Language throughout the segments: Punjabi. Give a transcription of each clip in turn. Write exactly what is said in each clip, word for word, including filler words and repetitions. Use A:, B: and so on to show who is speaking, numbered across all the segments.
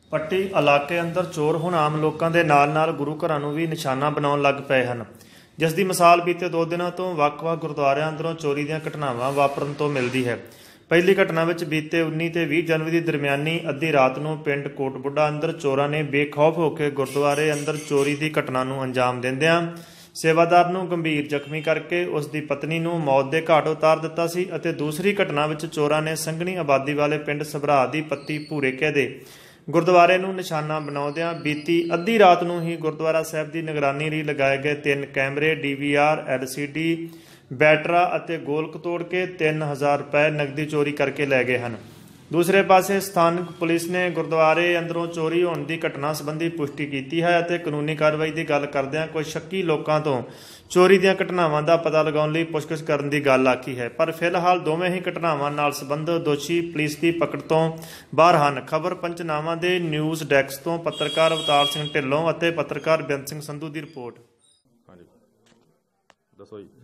A: ਪੱਟੀ ਇਲਾਕੇ ਅੰਦਰ ਚੋਰ ਹੁਣ ਆਮ ਲੋਕਾਂ ਦੇ ਨਾਲ ਨਾਲ ਗੁਰੂ ਘਰਾਂ ਨੂੰ ਵੀ ਨਿਸ਼ਾਨਾ ਬਣਾਉਣ ਲੱਗ ਪਏ ਹਨ, ਜਿਸ ਦੀ ਮਿਸਾਲ ਬੀਤੇ ਦੋ ਦਿਨਾਂ ਤੋਂ ਵੱਖ-ਵੱਖ ਗੁਰਦੁਆਰਿਆਂ ਅੰਦਰੋਂ ਚੋਰੀ ਦੀਆਂ ਘਟਨਾਵਾਂ ਵਾਪਰਨ ਤੋਂ ਮਿਲਦੀ ਹੈ। ਪਹਿਲੀ ਘਟਨਾ ਵਿੱਚ ਬੀਤੇ ਉੱਨੀ ਤੇ ਵੀਹ ਜਨਵਰੀ ਦੀ ਦਰਮਿਆਨੀ ਅੱਧੀ ਰਾਤ ਨੂੰ ਪਿੰਡ ਕੋਟਬੁੱਢਾ ਅੰਦਰ ਚੋਰਾਂ ਨੇ ਬੇਖੌਫ ਹੋ ਕੇ ਗੁਰਦੁਆਰੇ ਅੰਦਰ ਚੋਰੀ ਦੀ ਘਟਨਾ ਨੂੰ ਅੰਜਾਮ ਦਿੰਦਿਆਂ ਸੇਵਾਦਾਰ ਨੂੰ ਗੰਭੀਰ ਜ਼ਖਮੀ ਕਰਕੇ ਉਸ ਦੀ ਪਤਨੀ ਨੂੰ ਮੌਤ ਦੇ ਘਾਟ ਉਤਾਰ ਦਿੱਤਾ ਸੀ ਅਤੇ ਦੂਸਰੀ ਘਟਨਾ ਵਿੱਚ ਚੋਰਾਂ ਨੇ ਸੰਘਣੀ ਆਬਾਦੀ ਵਾਲੇ ਪਿੰਡ ਸਭਰਾ ਦੀ ਪੱਤੀ ਭੂਰੇਕੇ ਦੇ ਗੁਰਦੁਆਰੇ ਨੂੰ ਨਿਸ਼ਾਨਾ ਬਣਾਉਂਦਿਆਂ ਬੀਤੀ ਅੱਧੀ ਰਾਤ ਨੂੰ ਹੀ ਗੁਰਦੁਆਰਾ ਸਾਹਿਬ ਦੀ ਨਿਗਰਾਨੀ ਲਈ ਲਗਾਏ ਗਏ ਤਿੰਨ ਕੈਮਰੇ, D V R, L C D, ਬੈਟਰਾ ਅਤੇ ਗੋਲਕ ਤੋੜ ਕੇ ਤਿੰਨ ਹਜ਼ਾਰ ਰੁਪਏ ਨਕਦੀ ਚੋਰੀ ਕਰਕੇ ਲੈ ਗਏ ਹਨ। ਦੂਸਰੇ ਪਾਸੇ ਸਥਾਨਕ ਪੁਲਿਸ ਨੇ ਗੁਰਦੁਆਰੇ ਅੰਦਰੋਂ ਚੋਰੀ ਹੋਣ ਦੀ ਘਟਨਾ ਸੰਬੰਧੀ ਪੁਸ਼ਟੀ ਕੀਤੀ ਹੈ ਅਤੇ ਕਾਨੂੰਨੀ ਕਾਰਵਾਈ ਦੀ ਗੱਲ ਕਰਦਿਆਂ ਕੁਝ ਸ਼ੱਕੀ ਲੋਕਾਂ ਤੋਂ ਚੋਰੀ ਦੀਆਂ ਘਟਨਾਵਾਂ ਦਾ ਪਤਾ ਲਗਾਉਣ ਲਈ ਪੁੱਛਗਿੱਛ ਕਰਨ ਦੀ ਗੱਲ ਆਖੀ ਹੈ। ਪਰ ਫਿਲਹਾਲ ਦੋਵੇਂ ਹੀ ਘਟਨਾਵਾਂ ਨਾਲ ਸੰਬੰਧਿਤ ਦੋਸ਼ੀ ਪੁਲਿਸ ਦੀ ਪਕੜ ਤੋਂ ਬਾਹਰ ਹਨ। ਖਬਰ ਪੰਚਨਾਮਾ ਦੇ ਨਿਊਜ਼ ਡੈਸਕ ਤੋਂ ਪੱਤਰਕਾਰ ਅਵਤਾਰ ਸਿੰਘ ਢਿੱਲੋਂ ਅਤੇ ਪੱਤਰਕਾਰ ਬੇਅੰਤ ਸਿੰਘ ਸੰਧੂ ਦੀ ਰਿਪੋਰਟ।
B: ਹਾਂਜੀ ਦੱਸੋ ਜੀ।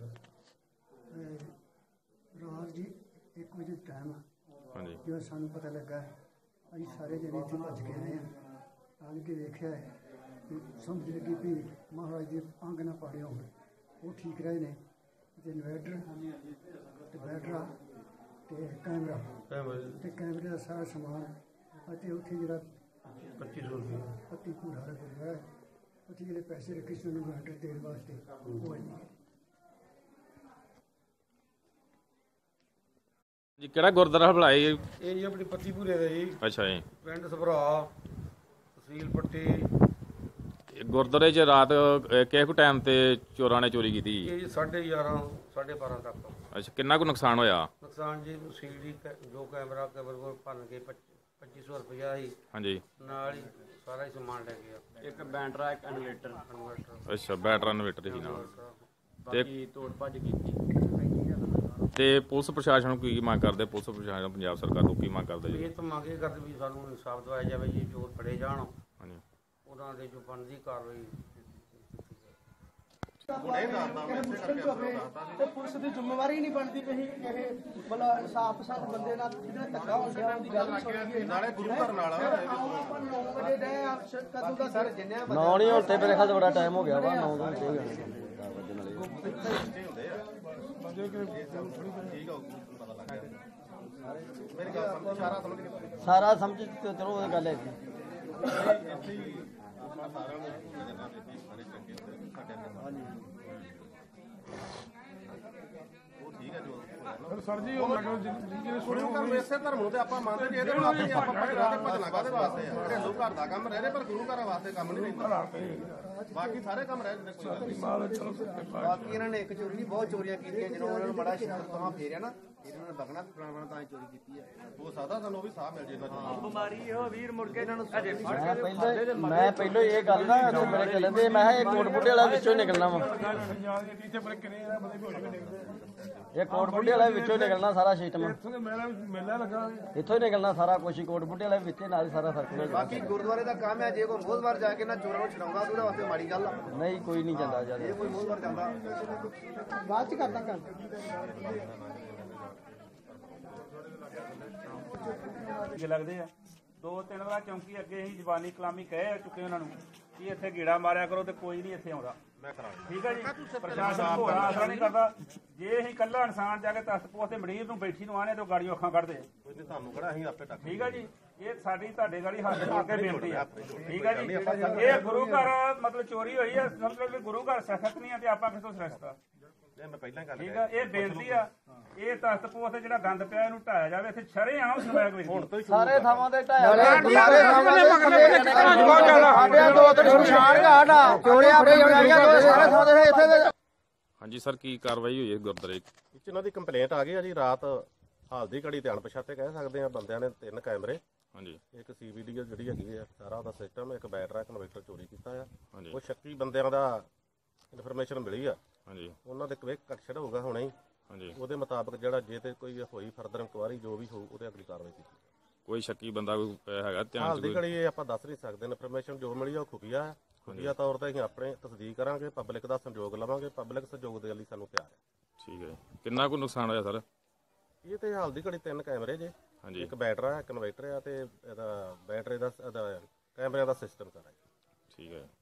C: ਰਾਤ ਜੀ ਇੱਕ ਵਜੇ ਟਾਈਮ
B: ਹਾਂਜੀ
C: ਜਦੋਂ ਸਾਨੂੰ ਪਤਾ ਲੱਗਾ ਅਸੀਂ ਸਾਰੇ ਜਣੇ ਇੱਥੇ ਭੱਜ ਕੇ ਆਏ ਹਾਂ। ਆਣ ਕੇ ਵੇਖਿਆ ਕਿ ਸਮਝ ਲੱਗੀ ਵੀ ਮਹਾਰਾਜ ਦੇ ਅੰਗ ਨਾ ਪਾੜੇ ਹੋਣ, ਉਹ ਠੀਕ ਰਹੇ ਨੇ ਅਤੇ ਇਨਵੈਟਰ ਅਤੇ ਬੈਟਰਾ ਅਤੇ ਕੈਮਰਾ ਅਤੇ ਕੈਮਰੇ ਦਾ ਸਾਰਾ ਸਮਾਨ ਅਤੇ ਉੱਥੇ ਜਿਹੜਾ ਪੱਚੀ ਸੌ ਰੁਪਏ ਪੱਤੀ ਭੂਰਾ ਦਾ ਗੁਰਦੁਆਰਾ ਉੱਥੇ ਜਿਹੜੇ ਪੈਸੇ ਰੱਖੇ ਸੀ ਉਹਨੂੰ ਇਨਵੈਟਰ ਦੇਣ ਵਾਸਤੇ ਉਹ ਨਹੀਂ।
B: ਜੀ ਕਿਹੜਾ ਗੁਰਦੁਆਰਾ ਬੁਲਾਏ?
D: ਇਹ ਜੀ ਆਪਣੀ ਪੱਤੀ ਭੂਰੇ ਦਾ ਜੀ।
B: ਅੱਛਾ ਜੀ।
D: ਪਿੰਡ ਸਭਰਾ, ਤਹਿਸੀਲ ਪੱਟੀ।
B: ਗੁਰਦੁਆਰੇ 'ਚ ਰਾਤ ਕਿਹੜੇ ਕੁ ਟਾਈਮ ਤੇ ਚੋਰਾਂ ਨੇ ਚੋਰੀ ਕੀਤੀ?
D: ਇਹ ਜੀ ਸਾਢੇ ਗਿਆਰਾਂ ਸਾਢੇ ਬਾਰਾਂ ਤੱਕ।
B: ਅੱਛਾ, ਕਿੰਨਾ ਕੁ ਨੁਕਸਾਨ ਹੋਇਆ?
D: ਨੁਕਸਾਨ ਜੀ ਸੀਡੀ ਜੋ ਕੈਮਰਾ ਕੈਮਰੇ ਕੋਲ ਭੰਨ ਕੇ ਪੱਚੀ ਸੌ ਰੁਪਇਆ ਸੀ।
B: ਹਾਂਜੀ।
D: ਨਾਲ ਹੀ ਸਾਰਾ ਹੀ ਸਮਾਨ ਲੈ ਗਿਆ।
E: ਇੱਕ ਬੈਟਰਾ, ਇੱਕ ਇਨਵੇਟਰ।
D: ਇਨਵਰਟਰ
B: ਅੱਛਾ, ਬੈਟਰਾ ਇਨਵੇਟਰ ਸੀ ਨਾਲ।
E: ਬਾਕੀ ਤੋੜ ਭੱਜ ਕੀਤੀ।
B: ਤੇ ਪੁਲਿਸ ਪ੍ਰਸ਼ਾਸਨ ਨੂੰ ਕੀ ਮੰਗ ਕਰਦੇ? ਪੁਲਿਸ ਪ੍ਰਸ਼ਾਸਨ ਪੰਜਾਬ ਸਰਕਾਰ ਨੂੰ ਕੀ ਮੰਗ ਕਰਦੇ ਜੀ?
D: ਇਹ ਤਾਂ ਮੰਗ ਇਹ ਕਰਦੇ ਵੀ ਸਾਨੂੰ ਇਨਸਾਫ ਦਿਵਾਇਆ ਜਾਵੇ ਜੀ, ਚੋਰ ਫੜੇ ਜਾਣ,
B: ਹਾਂਜੀ,
D: ਉਹਨਾਂ ਦੇ ਜੋ ਬਣਦੀ ਕਾਰਵਾਈ।
F: ਤੇ ਪੁਲਿਸ ਦੀ ਜ਼ਿੰਮੇਵਾਰੀ ਨਹੀਂ ਬਣਦੀ ਪਈ ਕਿ ਬਲਾ ਇਨਸਾਫ ਪਸੰਦ ਬੰਦੇ ਨਾਲ ਜਿਹਨਾਂ ਧੱਕਾ ਹੋ ਗਿਆ ਉਹਦੀ ਗੱਲ ਸੁਣੀਏ। ਨਾਲੇ ਗੁਰੂ ਘਰ ਨਾਲ ਆਪਾਂ ਨੌ ਵਜੇ ਦੇ ਕਦੋਂ ਦਾ ਸਰ ਜਿੰਨੇ
E: ਨੌ ਨਹੀਂ ਹੁਣ ਤੇ ਮੇਰੇ ਖਿਆਲ ਬੜਾ ਟਾਈਮ ਹੋ ਗਿਆ ਵਾ। ਨੌ ਤੋਂ ਛੇ ਸਾਰਾ ਸਮਝ ਚਲੋ ਉਹ ਗੱਲ ਹੈ ਜੀ।
G: ਸਰ ਜੀ ਉਹ ਗੁਰੂ ਇਸੇ ਧਰਮ ਨੂੰ ਤੇ ਆਪਾਂ ਮੰਨਦੇ ਜੀ, ਇਹਦੇ ਵਾਸਤੇ ਆਪਾਂ ਭਜਨਾ ਤੇ ਭਜਨਾ ਕਾਹਦੇ ਵਾਸਤੇ ਆ? ਘਰੇਲੂ ਘਰ ਦਾ ਕੰਮ ਰਹਿ ਰਿਹਾ ਪਰ ਗੁਰੂ ਘਰਾਂ ਵਾਸਤੇ ਕੰਮ ਨਹੀਂ ਰਹਿੰਦਾ। ਬਾਕੀ ਸਾਰੇ ਕੰਮ ਰਹਿ ਜਾਂਦੇ, ਕੋਈ ਗੱਲ ਨਹੀਂ।
C: ਬਾਕੀ ਇਹਨਾਂ ਨੇ ਇੱਕ ਚੋਰੀ ਨਹੀਂ ਬਹੁਤ ਚੋਰੀਆਂ ਕੀਤੀਆਂ। ਜਦੋਂ ਉਹਨਾਂ ਨੂੰ ਬੜਾ ਸ਼ਿਕਸਤਾਂ ਫੇਰਿਆ ਨਾ ਇਹਨਾਂ ਨੇ ਬਗਣਾ ਪੁਰਾਣਾ ਤਾਂ ਚੋਰੀ ਕੀਤੀ ਹੈ।
G: ਹੋ ਸਕਦਾ ਸਾਨੂੰ ਉਹ ਵੀ ਸਾਹ ਮਿਲ ਜੇ ਇਹਨਾਂ ਚੋਂ।
E: ਬਿਮਾਰੀ ਇਹੋ ਵੀਰ ਮੁੜ ਕੇ ਇਹਨਾਂ ਨੂੰ ਮੈਂ ਪਹਿਲਾਂ ਮੈਂ ਪਹਿਲਾਂ ਇਹ ਗੱਲ ਨਾ ਮੇਰੇ ਚੱਲਦੇ ਮੈਂ ਕਿਹਾ ਇਹ ਕੋਟਬੁੱਢੇ ਵਾਲਾ ਵਿੱਚੋਂ ਨਿਕਲਣਾ ਵਾ। ਇਹ ਕੋਟਬੁੱਢੇ ਵਾਲਾ ਵਿੱਚੋਂ ਨਿਕਲਣਾ ਸਾਰਾ ਸਿਸਟਮ। ਇੱਥੋਂ ਹੀ ਨਿਕਲਣਾ ਸਾਰਾ ਕੁਛ ਹੀ ਕੋਟਬੁੱਢੇ ਵਾਲੇ ਵਿੱਚੇ ਨਾਲ ਹੀ ਸਾਰਾ ਸਰਕਲ।
C: ਬਾਕੀ ਗੁਰਦੁਆਰੇ ਦਾ ਕੰਮ ਹੈ, ਜੇ ਕੋਈ ਮੋਹਦਵਾਰ ਜਾ ਕੇ ਨਾ ਚੋਰਾਂ ਨੂੰ ਛਡਾਉਂਦਾ ਉਹਦੇ ਵਾਸਤੇ ਮਾੜੀ ਗੱਲ ਆ।
E: ਨਹੀਂ ਕੋਈ ਨਹੀਂ ਜਾਂਦਾ ਜਿਆਦਾ।
C: ਜੇ ਕੋਈ ਮੋਹਦਵਾਰ ਜਾਂਦਾ ਬਾਅਦ ਚ ਕਰਦਾ ਕੰਮ।
H: ਲੱਗਦੇ ਆ ਦੋ ਤਿੰਨ ਵਾਰ ਚੌਂਕੀ ਅੱਗੇ ਅਸੀਂ ਜ਼ਬਾਨੀ ਕਲਾਮੀ ਕਹਿ ਚੁੱਕੇ ਉਹਨਾਂ ਨੂੰ ਕਿ ਇੱਥੇ ਗੇੜਾ ਮਾਰਿਆ ਕਰੋ ਤੇ ਕੋਈ ਨਹੀਂ ਇੱਥੇ ਆਉਂਦਾ। ਠੀਕ ਹੈ ਜੀ, ਪ੍ਰਸ਼ਾਸਨ ਭੋਰਾ ਆਸਰਾ ਨਹੀਂ ਕਰਦਾ। ਜੇ ਅਸੀਂ ਇਕੱਲਾ ਇਨਸਾਨ ਜਾ ਕੇ ਤਖਤ ਪੋਸ ਤੇ ਮਰੀਜ਼ ਨੂੰ ਬੈਠੀ ਨੂੰ ਆਣੇ ਤੇ ਗਾੜੀਆਂ ਅੱਖਾਂ ਕੱਢਦੇ ਆ।
G: ਤੁਹਾਨੂੰ ਕਿਹੜਾ ਅਸੀਂ ਆਪੇ ਟੱਕ।
H: ਠੀਕ ਹੈ ਜੀ, ਇਹ ਸਾਡੀ ਤੁਹਾਡੇ ਗਾੜੀ ਹੱਥ ਜੋੜ ਕੇ ਬੇਨਤੀ ਆ। ਠੀਕ ਹੈ ਜੀ, ਇਹ ਗੁਰੂ ਘਰ ਮਤਲਬ ਚੋਰੀ ਹੋਈ ਆ, ਮਤਲਬ ਗੁਰੂ ਘਰ ਸਖਤ ਨਹੀਂ ਆ ਤੇ ਆਪਾਂ ਕਿਥੋਂ ਸਖਤ ਆ? ਠੀਕ ਆ, ਇਹ ਬੇਨਤੀ ਆ। ਇਹ ਤਖਤ ਪੋਸ ਤੇ ਜਿਹੜਾ ਗੰਦ ਪਿਆ ਇਹਨੂੰ ਢਾਇਆ ਜਾਵੇ। ਇੱਥੇ ਸ਼ਰੇਆਮ ਸਮੈਕ ਵੇਚਦੀ
E: ਸਾਰੇ ਥਾਵਾਂ ਤੇ ਢਾਇਆ ਸਾਡੇ ਦੋ ਤਿੰਨ ਸ਼ਮਸ਼ਾਨ ਘਾਟ ਆ ਚੋਰੀਆਂ ਆਪਣੇ ਸਾਰੇ ਥਾਂ ਤੇ ਇੱਥੇ।
B: ਹਾਂਜੀ ਸਰ, ਕੀ ਕਾਰਵਾਈ ਹੋਈ ਹੈ ਗੁਰਦੁਆਰੇ?
G: ਵਿੱਚ ਇਹਨਾਂ ਦੀ ਕੰਪਲੇਂਟ ਆ ਗਈ ਆ ਜੀ। ਰਾਤ ਹਾਲ ਦੀ ਘੜੀ ਤੇ ਅਣਪਛਾਤੇ ਕਹਿ ਸਕਦੇ ਆ ਬੰਦਿਆਂ ਨੇ ਤਿੰਨ ਕੈਮਰੇ,
B: ਹਾਂਜੀ,
G: ਇੱਕ ਸੀ ਵੀ ਡੀ ਜਿਹੜੀ ਹੈਗੀ ਆ ਸਾਰਾ ਉਹਦਾ ਸਿਸਟਮ, ਇੱਕ ਬੈਟਰਾ, ਇੱਕ ਇਨਵਰਟਰ ਚੋਰੀ ਕੀਤਾ ਆ।
B: ਹਾਂਜੀ,
G: ਉਹ ਸ਼ੱਕੀ ਬੰਦਿਆਂ ਦਾ ਇਨਫੋਰਮੇਸ਼ਨ ਮਿਲੀ ਆ।
B: ਹਾਂਜੀ,
G: ਉਹਨਾਂ ਦੇ ਕਵੇ ਕਟਛੜ ਹੋਊਗਾ ਹੁਣੇ ਹੀ।
B: ਹਾਂਜੀ,
G: ਉਹਦੇ ਮੁਤਾਬਕ ਜਿਹੜਾ ਜੇ ਤੇ ਕੋਈ ਹੋਈ ਫਰਦਰ ਇਨਕੁਆਰੀ ਜੋ ਵੀ ਹੋਊ ਉਹਦੇ ਅਗਲੀ ਕਾਰਵਾਈ ਕੀਤੀ।
B: ਕੋਈ ਸ਼ੱਕੀ ਬੰਦਾ ਕੋਈ ਹੈਗਾ ਧਿਆਨ
G: ਹਾਲ
B: ਚ?
G: ਦੀ ਘੜੀ ਇਹ ਆਪਾਂ ਦੱਸ ਨਹੀਂ ਸਕਦੇ। ਇਨਫੋਰਮੇਸ਼ਨ ਜੋ ਮਿਲੀ ਆ ਉਹ ਖੁਫੀਆ ਹੈ। ਖੁਫੀਆ ਤੌਰ ਤੇ ਅਸੀਂ ਆਪਣੇ ਤਸਦੀਕ ਕਰਾਂਗੇ, ਪਬਲਿਕ ਦਾ ਸਹਿਯੋਗ ਲਵਾਂਗੇ। ਪਬਲਿਕ ਸਹਿਯੋਗ ਦੇ ਲਈ ਸਾਨੂੰ ਤਿਆਰ ਹੈ।
B: ਠੀਕ ਹੈ, ਕਿੰਨਾ ਕੁ ਨੁਕਸਾਨ ਹੋਇਆ ਸਰ?
G: ਇਹ ਤੇ ਹਾਲ ਦੀ ਘੜੀ ਤਿੰਨ ਕੈਮਰੇ ਜੇ,
B: ਹਾਂਜੀ
G: ਇੱਕ ਬੈਟਰਾ ਇੱਕ ਇਨਵਰਟਰ ਆ ਤੇ ਇਹਦਾ ਬੈਟਰੀ ਦਾ ਇਹਦਾ ਕੈਮਰਿਆਂ ਦਾ ਸਿਸਟਮ ਸਾਰਾ।
B: ਠੀਕ ਹੈ।